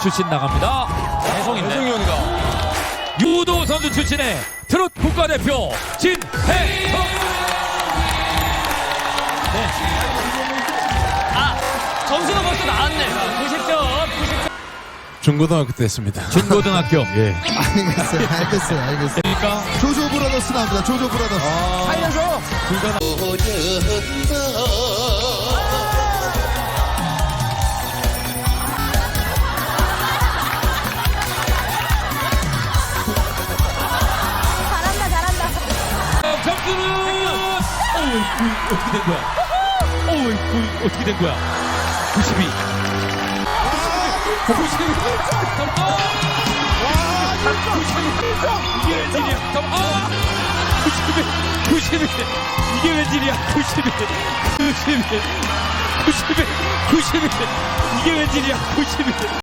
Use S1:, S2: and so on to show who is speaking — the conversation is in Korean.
S1: 출신 나갑니다. 혜성인데.
S2: 배송현이가
S1: 유도 선수 출신의 트롯 국가대표 진혜성.
S3: 점수가 벌써 나왔네. 90점.
S4: 중고등학교 때 했습니다.
S1: 중고등학교.
S4: 예.
S5: 알겠어요.
S1: 그러니까
S5: 조조 브라더스 나옵니다. 조조 브라더스.
S2: 살려줘.
S6: 잘한다.
S1: 점수는 어떻게 된 거야? 어떻게 된 거야? 92. 92. 이게 웬일이야? 91. 이게 웬일이야? 91. 이게 웬일이야? 91.